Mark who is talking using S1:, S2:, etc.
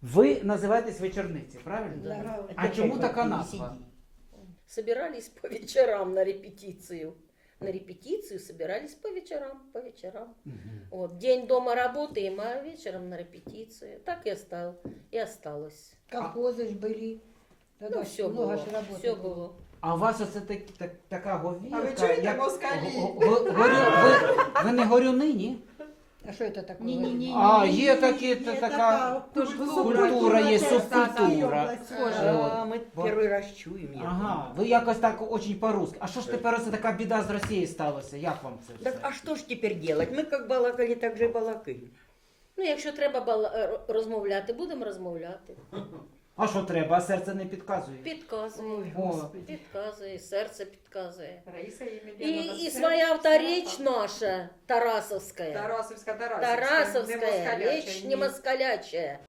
S1: Ви називаєтесь вечорниці, правильно?
S2: Да.
S1: А чому така назва?
S3: Собирались по вечерам на репетицию. На репетицию собирались по вечерам, по вечерам. Вот, день дома работаем, а вечером на репетицию. Так и осталось.
S2: Колхозы ж были. Тогда
S3: Ну, все
S2: много
S3: было,
S2: ж работы
S3: все было.
S1: А у вас оце така говірка?
S4: А ви чуєте,
S1: як-
S4: москалі?
S1: Ви не горюни, ні?
S2: А что это такое?
S5: Ні-ні-ні.
S1: А, є такі, така культура, є субкультура.
S5: Схоже,
S6: Мы
S1: Вот.
S6: первый раз чуем. я
S1: Ага, ви якось так очень по-русски. А що ж тепер оце така біда з Росією сталася? Як вам це
S6: Так
S1: все?
S6: а что ж теперь делать? Мы как балакали, так же и балакаем.
S3: Ну, якщо треба розмовляти, будемо розмовляти.
S1: А що треба? А серце не підказує?
S3: Підказує.
S1: О,
S3: Підказує, серце підказує.
S4: Раїса
S3: І своя авторечь наша, Тарасовская.
S4: Тарасовська,
S3: Тарасовская, речь не москалячая.